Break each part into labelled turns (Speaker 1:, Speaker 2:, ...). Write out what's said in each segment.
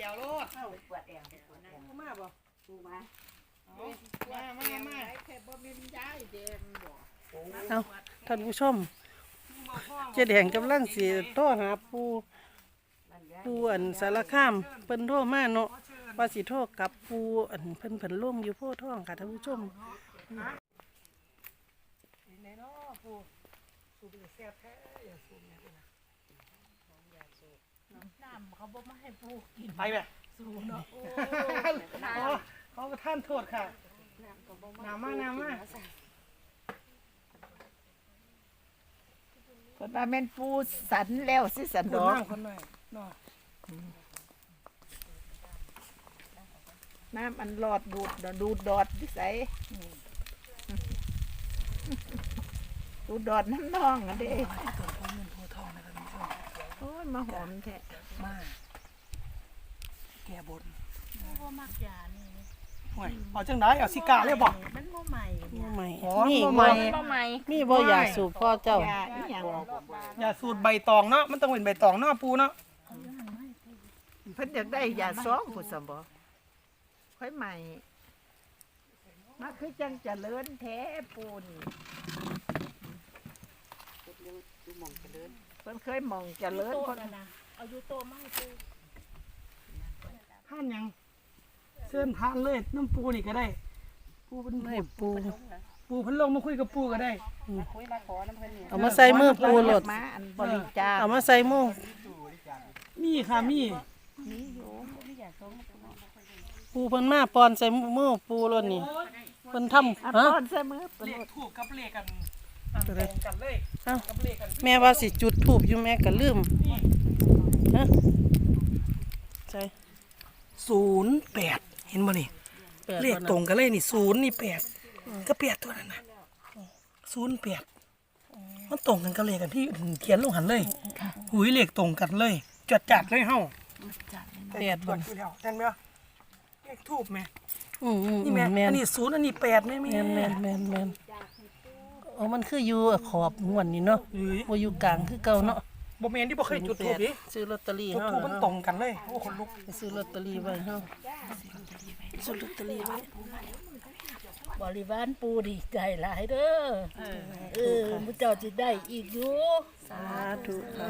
Speaker 1: วโลด
Speaker 2: ปวดแอว
Speaker 1: มาบ่
Speaker 2: ปูมา
Speaker 1: มา
Speaker 2: แค่บ่มีย้ายแดงบ่
Speaker 3: เอาท่านผู้ชมเจ๊แดงกำลังสิโทรหาปูอันสารคามเพิ่นโทรมาเนาะว่าสิโทรกับปูอันเพิ่นลงอยู่โพธิ์ทองค่ะท่านผู้ชม
Speaker 1: ไหนเนาะปูสูบแซ่บแท้อย่าสูบเนี่ยนะ
Speaker 2: น้ำเขาบ่มาให้ปูกิน
Speaker 1: ไปแม่
Speaker 2: สูเนาะ
Speaker 1: เขาท่านโทษค่ะน้ำมา
Speaker 2: คนว่าแม่นปูสันแล้วสิสันดอก
Speaker 1: คนหน่อยเนาะ
Speaker 2: น้ำมันหลอดดูดดอดดิใสดูดอดน้ำนองอ่ะเด้โอ้ยมาหอมแท้
Speaker 1: มาแก่บน
Speaker 2: บ่มักยานี่
Speaker 1: ห่วยเอาจังได๋เอาสิกาเลยบ่
Speaker 2: มันบ่ใหม่
Speaker 3: บ่ใหม่
Speaker 1: นี่
Speaker 3: บ่ใหม่มีบ่อยากสูบพ่อเจ้า
Speaker 1: อย่าสูตรใบตองเนาะมันต้องเป็นใบตองเนาะปูเนาะ
Speaker 2: เพิ่นอยากได้ยาซ้อมพุ่นซั่นบ่ค่อยใหม่มาคือจังเจริญแท้ปูนี่เพิ่นเคยมองเจริญเพิ่นน่ะเอาอยู่โตมาให้ปู
Speaker 1: ท่านยังเชิญทานเลยน้ำปูนี่ก็ได้ปูเป็น
Speaker 3: ให้ปู
Speaker 1: เพิ่นลงมาคุยกับปูก็ได้
Speaker 2: คุยมาขอน้ำเพิ่น
Speaker 3: เอามาใส่มือปูโลด
Speaker 2: มาอันบริจาค
Speaker 3: เอามาใส่มือ
Speaker 1: มีค่ะมี
Speaker 2: อยู่มีอยากส่ง
Speaker 3: ปูเพิ่นมาปอนใส่มือปูโลดนี่เพิ่นทำ
Speaker 2: ฮะปอนใส่มือ
Speaker 1: เลขถูกกับเลขกันตรงกันเลย
Speaker 3: กับเลขกันแม่ว่าสิจุดธูปอยู่แม่ก็ลืมฮะใช่
Speaker 1: 08เห็นบ่นี่เลขตรงกันเลยนี่0นี่8ก็8ตัวนั้นน่ะ08มันตรงกันกับเลขกันที่เขียนลงหันเลยหุยเลขตรงกันเลยจัดเลยเฮา8บ่อยู่แล้วเห็นมั้ยเลขทูบแม่นี่แม่อันนี้0อันนี้8แม่
Speaker 3: แม่นโอ้มันคืออยู่ขอบง่วนนี่เนาะบ่อยู่กลางคือเก่าเนาะ
Speaker 1: บ่แม่นที่บ่เคยจุดธูปดิ
Speaker 3: ซื้อลอตเตอรี่เฮา
Speaker 1: ทูบมันตรงกันเลยโอ้คนลุก
Speaker 3: ไปซื้อลอตเตอรี่ไว้เฮาซื้อลอตเตอรี่ไว้
Speaker 2: บริวารปูดีใจหลายเด้อมุเจ้าสิได้อีกอยู่
Speaker 3: สาธุค่ะ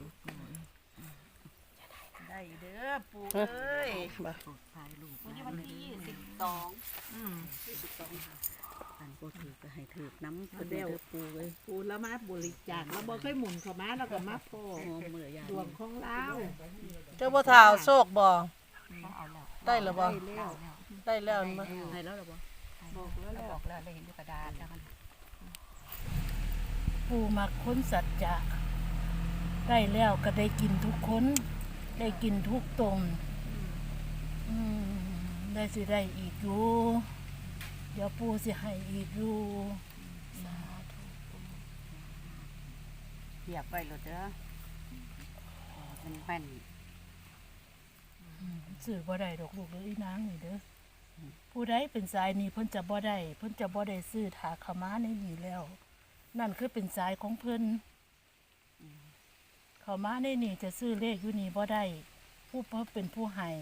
Speaker 2: ได้เด้อปูเอ้ย
Speaker 3: บ่
Speaker 2: วันที่อันบ่ถือก็ให้ถือน้ำเพิ่นเด้อปูเอ้ยปูแล้วมาบริจาคแล้วบ่เคยหมุนเข้ามาแล้วก็มาพ่อดวงของเรา
Speaker 3: เจ้าบ่ท่าเอาโชคบ่ได้หรือบ่ได้แล้วมั้ย
Speaker 2: ได้แล้วหรอบ่บอกแล้วเลยเห็นอยู่กระดาษแล้วกันปูมักคนสัจจะได้แล้วก็ได้กินทุกคนได้กินทุกตนได้สิได้อีกอยู่เดี๋ยวปูสิให้อีกอยู่สาธุเรียบไว้แล้วเด้อเป็นแป้นซื้อบ่ได้ดอกลูกเลยอีนางนี่เด้อผู้ใดเป็นสายนี้เพิ่นจะบ่ได้ซื้อถาขม้าในนี่แล้วนั่นคือเป็นสายของเพิ่นขม้าในนี่จะซื้อเลขอยู่นี่บ่ได้ผู้เพิ่นเป็นผู้ให้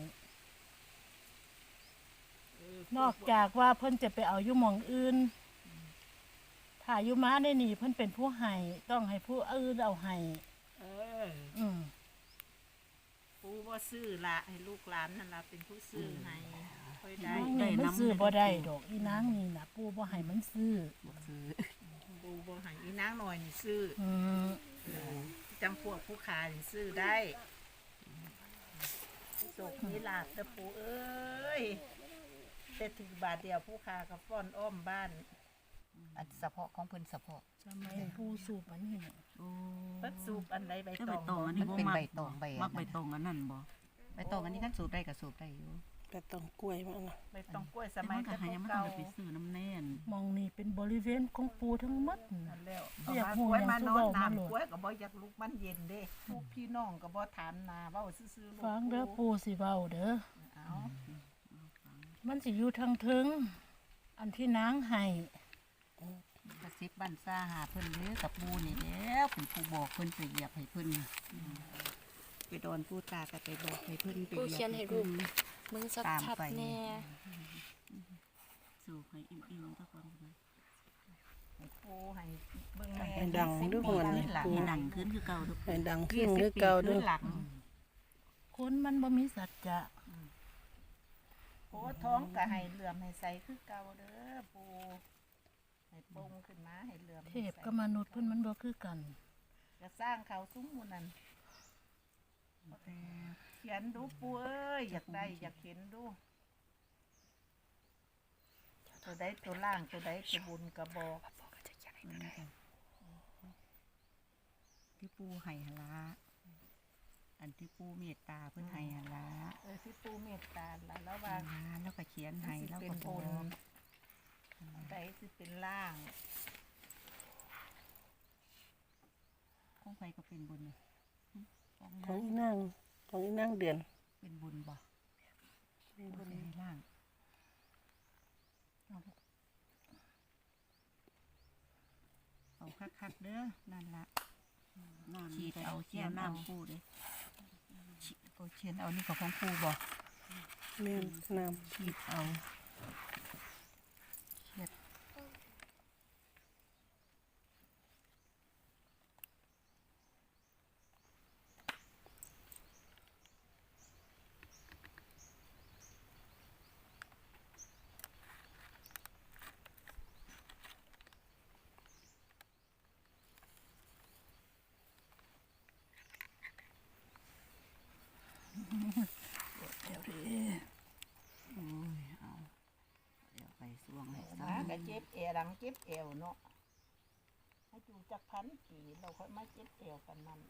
Speaker 2: นอกจากว่าเพิ่นจะไปเอาอยู่หม่องอื่นถ้าอยู่ม้าในนี่เพิ่นเป็นผู้ให้ต้องให้ผู้อื่นเอาให้ผู้บ่ซื้อละให้ลูกหลานนั่นล่ะเป็นผู้ซื้อให้ค่อยได้มันซื้อบ่ได้ดอกอีนางนี่น่ะปู่บ่ให้มันซื้อปู่บ่ให้อีนางน้อยนี่ซื้อจำพวกผู้ค้านี่ซื้อได้โชคมีลาภเด้อปู่เอ้ยแต่ถึงบาทเดียวผู้ค้าก็ฟ้อนอ้อมบ้านอันเฉพาะของเพิ่นเฉพาะทำไมผู้สูบอันนี้เนี่ยเพิ่นสูบอันใดใบตอง
Speaker 4: อันนี้
Speaker 2: เป็นใบตองใบ
Speaker 4: มักใบตองอันนั้นบ่
Speaker 2: ใบตองอันนี้ท่านสูบได้ก็สูบได้อยู่
Speaker 3: ใบตองกล้วยมานะ
Speaker 2: ใบตองกล้วยสมัยแต่
Speaker 4: เก่าไปซื้อน้ำแน่น
Speaker 2: มองนี่เป็นบริเวณของปูทั้งหมดนั่นแล้วอยากกล้วยมานอนน้ำกล้วยก็บ่อยากลุกมันเย็นเด้พวกพี่น้องก็บ่ถามนาเว้าซื่อๆฟังเด้อปูสิเว้าเด้อมันสิอยู่ทางถึงอันที่นางให้
Speaker 4: กระซิบบ้านซ่าหาเพิ่นเด้อกับปูนี่แล้วเป็นผู้บอกเพิ่นไปเหยียบให้เพิ่นไปดอนผู้ตาก็ไปบอกให้เพิ่นไป
Speaker 5: ผู้เขียนให้รูปมึง
Speaker 4: ตาม
Speaker 5: ชัด
Speaker 4: ไป
Speaker 5: ๆแน่
Speaker 4: สู่ให้อิ่มๆทุกคนเลย
Speaker 2: ให้ปูให้เบิ่งแม่
Speaker 3: ให้ดังด้วยคน
Speaker 4: ให้
Speaker 3: นี้
Speaker 4: หลัง
Speaker 3: ปู
Speaker 4: ให้ดังขึ้นคือเก่าทุก
Speaker 3: ให้ดังขึ้นคือเก่าด้วย
Speaker 2: หลัง
Speaker 4: คนมันบ่มีสัจจะ
Speaker 2: โอ้ท้องก็ให้เหลื่อมให้ใสคือเก่าเด้อปูให้ปงขึ้นมาให้เหลื่อม
Speaker 4: เทพกับมนุษย์เพิ่นมันบ่คือกัน
Speaker 2: จะสร้างเขาซุ้มหมู่นั่นเขียนดูปูเอ้ยอยากได้อยากเห็นดูตัวใดตัวล่างตัวใดตัวบุญกระบอก
Speaker 4: ที่ปูให้หนละอันที่ปูเมตตาเพิ่นให้หนละ
Speaker 2: ที่ปูเมตตาละแล้วว่า
Speaker 4: แล้วก็เขียนให้
Speaker 2: สิ
Speaker 4: แล้ว
Speaker 2: เป็
Speaker 4: ก็
Speaker 2: น
Speaker 4: บ
Speaker 2: บุ
Speaker 4: อ
Speaker 2: ญ
Speaker 4: ก
Speaker 2: ใดสิเป็นล่าง
Speaker 4: ของใครก็เป็นบุญนี่ของ
Speaker 3: ของอีนางของอีนางเดือน
Speaker 4: เป็นบุญบ่เป็นบุญในร่างเอาคักๆเด้อนั่นละฉีดเอาเจียวน้ำปูเด้เอาเชียนเอานี่ก็ของปูบ่
Speaker 3: แม่นน้
Speaker 4: ฉีดเอาเชียด เดี๋ยวไปสวงให้
Speaker 2: มา
Speaker 4: ซ้ำ
Speaker 2: ก็เจ็บเอวหลังเจ็บเอวเนาะให้อยู่จักพันปีเราค่อยมาเจ็บเอวกันนั่น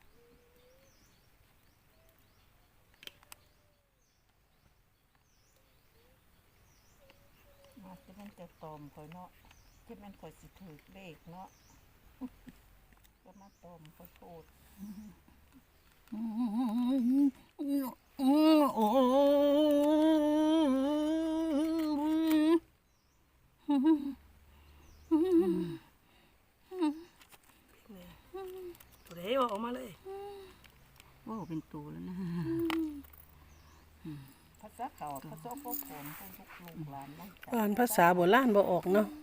Speaker 2: มาจะมันจะตอมค่อยเนาะที่มันค่อยสิถือเลขเนาะ ก็มาตอมขอโทษ
Speaker 4: โอ้
Speaker 1: ตัวเดียวออกมาเลย
Speaker 4: ว่าเป็นตัวแล้วนะ
Speaker 2: ภาษาเขาภาษาพวกผมพวกลูกหลานนั่ง
Speaker 3: ำอ่านภาษาโบราณบ่ออกเนาะ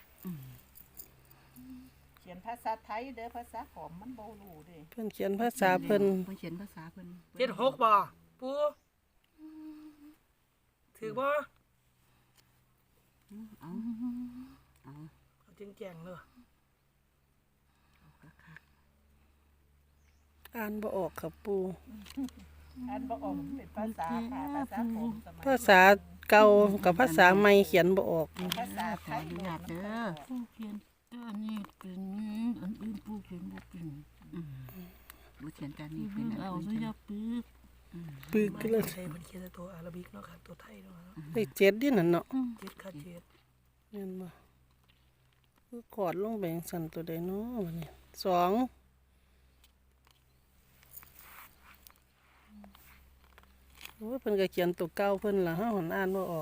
Speaker 2: เขียนภาษาไทยเด้อภาษาขอมมันบ่รู้เด้
Speaker 3: เพิ่นเขียนภาษาเพิ่น
Speaker 4: เพิ่นเขียนภาษาเพิ่น
Speaker 1: 76บ่ปูถือบ่
Speaker 4: เอาเอา
Speaker 1: เอาจริงแจงเลย
Speaker 3: อ่านบ่ออกครับปู
Speaker 2: อันบ่ออกเป็นภาษาค่ะภาษาขอมสมัย
Speaker 3: ภาษาเก่ากับภาษาใหม่เขียนบ่ออก
Speaker 2: ภาษาไทย
Speaker 4: อนุญาตเด้อผู้เขียนตัวนี้เป็นอันอื่นผู้เขียนบ่เป็นผู้เขียนตัวนี้เป็นเอาซะอย่าปึก
Speaker 3: ปึก
Speaker 1: ไม่
Speaker 3: เลย
Speaker 1: ใช่มันเขียนแต่ตัวอาราบิกเนาะค่ะตัวไทยเนาะ
Speaker 3: ได้เจ็ดดินั่นเนาะ
Speaker 1: เจ็ดค่ะเจ็ด
Speaker 3: แม่นบ่คือกอดลงไปจังซั่นตัวใดเนาะบัดนี้สองโอ้ยเพิ่นก็เขียนตัวเก่าเพิ่นล่ะเฮาหันอ่านบ่ออก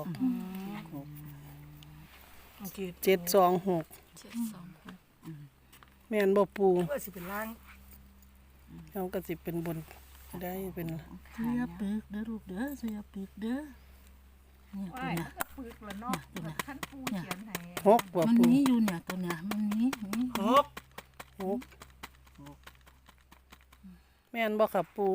Speaker 3: 726 แม่นบ่ปู
Speaker 1: เพื่อสิเป็นล่าง
Speaker 3: เฮาก็สิเป็นบนได้เป็น
Speaker 4: เสียปึกเด้อลูกเด้อเสียปึกเด้อเนี่ยตัว
Speaker 2: ว่าย
Speaker 4: เนี้ย
Speaker 2: มันก็ปึกแล้วเนาะท่านปูเขียนให้
Speaker 3: หกบ่
Speaker 4: มัน
Speaker 3: ปู
Speaker 4: มีอยู่เนี่ยตัวเนี้ยมันมี
Speaker 1: หก
Speaker 3: หกแม่นบ่ครับปู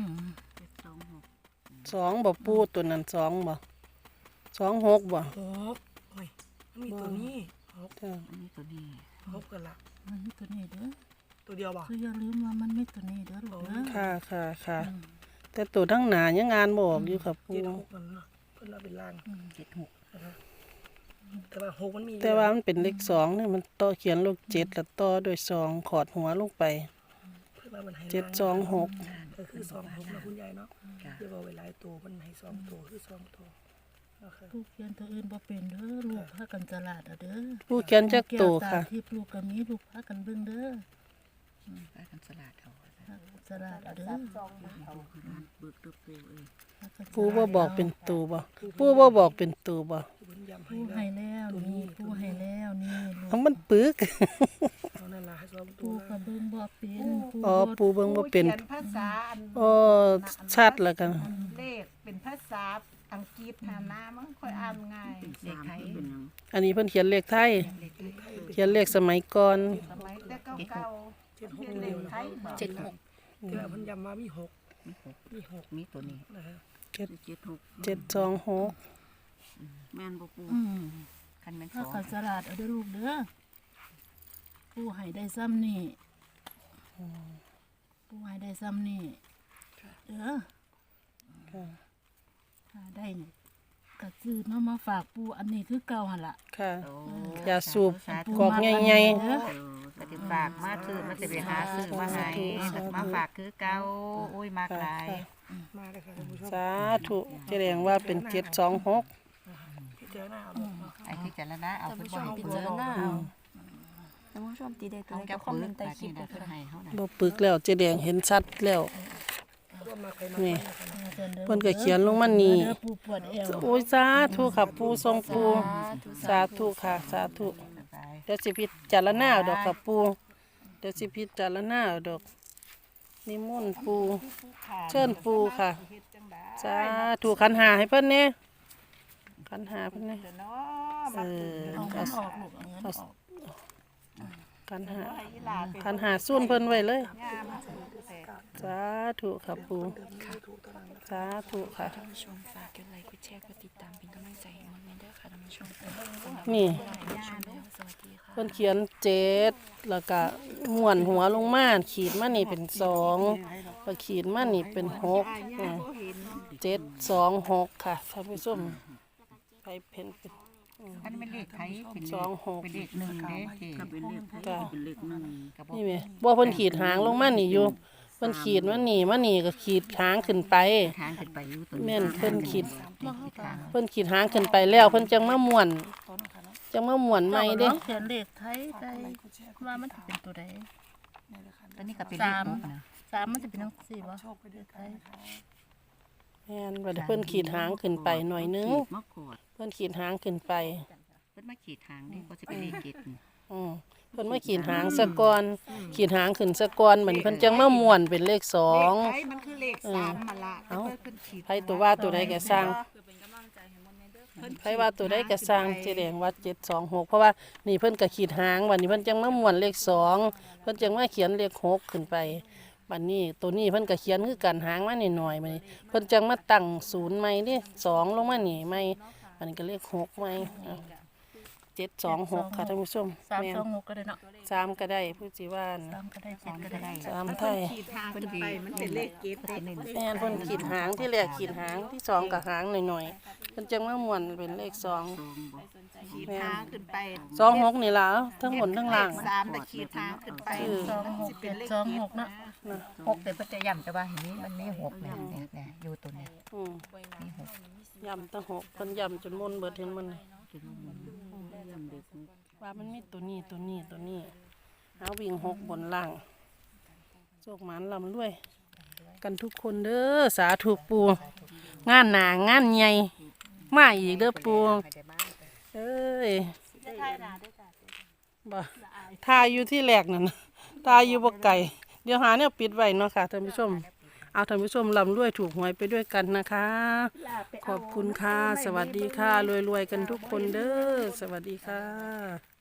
Speaker 4: 726
Speaker 3: สองบ่ปูตัวนั้นสองบ่26บ่
Speaker 1: หกโอ้ยมันมีตัวนี้หก
Speaker 3: จ้า
Speaker 4: อันนี้ตัวนี้
Speaker 1: หกกันละ
Speaker 4: มันมีตัวนี้เด้อ
Speaker 1: ตัวเดียวบ่
Speaker 4: คืออย่าลืมว่ามันมีตัวนี้เด้อลูกเด้อ
Speaker 3: ค่ะแต่ตัวทั้งหน้ายังงานบ่ออกอยู่ครับปู
Speaker 1: เจ็ดหกมันเนาะเพิ่นเอาเป็นล่าง
Speaker 4: 76
Speaker 1: แต่ว่าหกมันมี
Speaker 3: แต่ว่ามันเป็นเลขสองนี่มันต่อเขียนเลข7แล้วต่อด้วยสองขอดหัวลงไป
Speaker 1: เพิ่นว่ามันให้
Speaker 3: 726
Speaker 1: ก็คือ26นะคุณยายเนาะเดี๋ยวเอาไว้หลายตัวมันให้2ตัวคือ2ตัวโอเค
Speaker 4: ผู้เขียนตัวอื่นบ่เป็นเด้อลูกพากันฉลาดเด้อ
Speaker 3: ผู้เขียนจักตัวค่ะ
Speaker 4: ที่ลูกก็มีลูกพากันเบิ่งเด้อพากันฉลาดเอาฉลาดเด้อ
Speaker 2: ซองมันเอา
Speaker 4: เบิกตัวเปลวเอ้ย
Speaker 3: ผู้บ่บอกเป็นตัวบ่ผู้บ่บอกเป็นตัวบ่
Speaker 1: เพิ่นย้ำให้
Speaker 4: ผู้
Speaker 1: แล้ว
Speaker 4: ให้แล้วนี่ผู้ให้แล้วนี่ลูก
Speaker 3: ทั้งมันปึก
Speaker 1: เอานั่นล่ะให้สองตั
Speaker 2: ปู
Speaker 1: ว
Speaker 2: ก็เบิ่งบ่เป็น
Speaker 3: อ๋อปูเบิ่งบ่เป็น
Speaker 2: ขียนภาษาอัน
Speaker 3: อ๋อชัดแล้วกัน
Speaker 2: เลขเป็นภาษาอังกฤษหาหน้ามันค่อยอ่านง่ายเลขไทย
Speaker 3: อันนี้เพิ่นเขียนเลขไทย เขียนเลขสมัยก่อน
Speaker 2: สมัยแต่เก่าๆเขียนเลขไทยบ่
Speaker 5: 76
Speaker 1: ที่ว่าเพิ่นย้ำมามีหก
Speaker 4: มีตัวนี้
Speaker 1: นะฮะ
Speaker 3: 726
Speaker 4: แม่นบ่ปูคันแม่นส
Speaker 2: ถ้า
Speaker 4: อง
Speaker 2: เขาสลัดเอาเด้อลูกเด้อปูให้ได้ซ้ำนี่ปูให้ได้ซ้ำนี่เด้อถ้าได้นี่ก็ซื้อมาฝากปูอันนี้คือเก่าหั่นล่ะ
Speaker 3: ค่ะ
Speaker 4: โอ้
Speaker 3: ยาสูบ
Speaker 4: สาธุ
Speaker 3: กอกใหญ่
Speaker 2: เด้อ
Speaker 4: ปฏิฝากมาซื้อมาสิไปหาซื้อมาให้มาฝากคือเก่าโอ้ยมากหลาย
Speaker 1: มาเลยค่ะท่านผู้ชม
Speaker 3: ๆสาธุแสดงว่าเป็น726
Speaker 1: พิจารณาเอาเนาะ
Speaker 4: ไอ้ที่เจารณาเอา
Speaker 5: ท่าน
Speaker 4: เพิ่น
Speaker 5: ผู้ช
Speaker 4: บ่
Speaker 5: ม
Speaker 4: ให้
Speaker 5: พิ
Speaker 4: เพิ่น
Speaker 5: จารณาเอาท่านผู้ชมตีได้ตัว
Speaker 4: เอา
Speaker 5: ใด
Speaker 4: จั
Speaker 5: ก็
Speaker 4: บ
Speaker 5: คอมเม
Speaker 4: ปื
Speaker 5: น
Speaker 4: น
Speaker 5: ต์ใต้คลิป
Speaker 4: นี่
Speaker 5: ด้
Speaker 4: นะ
Speaker 5: วย
Speaker 4: เพิ่น
Speaker 5: ค่ะ
Speaker 4: ให้เฮาน่ะ
Speaker 3: บ่ปึกแล้วเจ๊แดงเห็นชัดแล้ว
Speaker 1: ร่วมมาใครมา
Speaker 3: นี่
Speaker 2: เด้อ
Speaker 3: เพิ่นก็เขียนลงมานี่
Speaker 2: เด้อปูปวดเอว
Speaker 3: โอ้ยสาธุค่ะปูทรงปูสาธุค่ะสาธุ
Speaker 4: สบาย
Speaker 3: เดี๋ยวสิพิจารณาเอาดอกค่ะปูเดี๋ยวสิพิจารณาเอาดอกนิมนต์ปูเชิญปูค่ะสาธุขันหาให้เพิ่นเนี่ยขันหาเพิ่นเนี่ย
Speaker 2: เนาะ
Speaker 3: เออ
Speaker 2: เอาเงินออกลูกเอาเงินออก
Speaker 3: ขันหา
Speaker 2: อีหลาเป็น
Speaker 3: ขันหาส่วนเพิ่นไว้เลย
Speaker 2: งามแต่
Speaker 3: สาธุค่ะปูสาธุค่ะ
Speaker 5: ท่านผู้ชมฝากกดไลค์กดแชร์กดติดตามเป็นกำลังใจให้มันเด้อค่ะท่านผู้ชม
Speaker 3: นี่
Speaker 5: ชมแล้วสวัสดีค่ะ
Speaker 3: เพิ่นเขียน7แล้วก็ม้วนหัวลงมาขีดมานี่เป็น2แล้วขีดมานี่เป็น6726ค่ะท่านผู้ชมไปเพิ่นเป็น
Speaker 4: อันนี้เป็นเลขไทยเป็นเลข
Speaker 3: 26
Speaker 4: เป็นเลขหนึ่งเด้ก็เป็นเลขไทย
Speaker 3: จ้ะ
Speaker 4: เป็นเลขหนึ่งก็บ่
Speaker 3: นี่แหมบ่เพิ่นขีดหางลงมานี่อยู่เพิ่นขีดมานี่ก็ขีดหางขึ้นไป
Speaker 4: ทางขึ้นไปอยู่ตัว
Speaker 3: แม่นเพิ่นขีด
Speaker 4: ทาง
Speaker 3: เพิ่นขีดหางขึ้นไปแล้ว เพิ่นจังมาม่วนจังมาม่วนใหม่เด้
Speaker 2: เขียนเลขไทยได้ว่ามันจะเป็นตัวใด
Speaker 4: ตัวนี้ก็เป็นเลขหกนะ
Speaker 2: 3มันจะเป็นจังซี่บ่เลขไทย
Speaker 3: แม่นว่าเพิ่นขีดหางขึ้นไปหน่อยนึง
Speaker 4: ขีดมะกรูด
Speaker 3: เพิ่นขีดหางขึ้นไป
Speaker 4: เพิ่นมาขีดทางนี่ก็สิเป็นเลขเจ็ดนี่
Speaker 3: อือเพิ่นมาขีดหางซะก่อนขีดหางขึ้นซะก่อนเหมือนเพิ่นจังมาม่วนเป็นเลข
Speaker 2: เลข
Speaker 3: 2
Speaker 2: ไทยมันคือเลข3มาละ
Speaker 3: เอ้า
Speaker 2: เพิ่นขีด
Speaker 3: ไผตัวว่าตัวใดก็สร้างไผว่าตัวใดก็สร้างแสดงว่า726เพราะว่านี่เพิ่นก็ขีดหางวันนี้เพิ่นจังมาม่วนเลข2เพิ่นจังมาเขียนเลข6ขึ้นไปบัดนี้ตัวนี้เพิ่นก็เขียนคือกันหางมาหน่อยๆบัดนี้เพิ่นจังมาตั้ง0ใหม่นี่2ลงมานี่ใหม่บัดนี้ก็เลข6ใหม่726ค่ะท่านผู้ชมแม่น
Speaker 2: 326ก็ได้เนาะ
Speaker 3: 3ก็ได้ผู้สิว่านะ
Speaker 2: 3ก็ได้7ก็ได้
Speaker 3: 3ไทย
Speaker 2: ขีดทางขึ้นไปมันเป็นเลขเจ็ดได้
Speaker 3: แม่นเพิ่นขีดหางที่แรกขีดหางที่สองก็หางหน่อยๆเพิ่นจังมาม่วนเป็นเลข2
Speaker 2: ขีดทางขึ้นไป
Speaker 3: 26นี่ล่ะทั้งบนทั้งล่าง
Speaker 2: 3แต่ขีดทางขึ้นไป26เนาะ
Speaker 4: หกแต่เพิ่นจะย้ำแต่ว่าเห็นนี้มันมีหกเนี่ยเนี่ยอยู่ตัวเนี้
Speaker 3: อืม
Speaker 4: มีหก
Speaker 3: ย่ำตั้งหกเพิ่นย่ำจนมุนเบิดเห็นมันเลย
Speaker 4: เป็นย้ำเด็ก
Speaker 3: ว่ามันมีตัวนี้เอาวิ่ง6บนล่างโชคหมานลำรวย กันทุกคนเด้อสาธุปูงานหนางานใหญ่มาอีกเด้อปูเอ้ยบ่ทายอยู่ที่แรกนั่นน่ะทายอยู่บ่ไก่เดี๋ยวหาแนวปิดไว้เนาะค่ะท่านผู้ชมเอาท่านผู้ชมลำรวยถูกหวยไปด้วยกันนะคะ ขอบคุณค่ะ สวัสดีค่ะรวยๆกันทุกคนเด้อสวัสดีค่ะ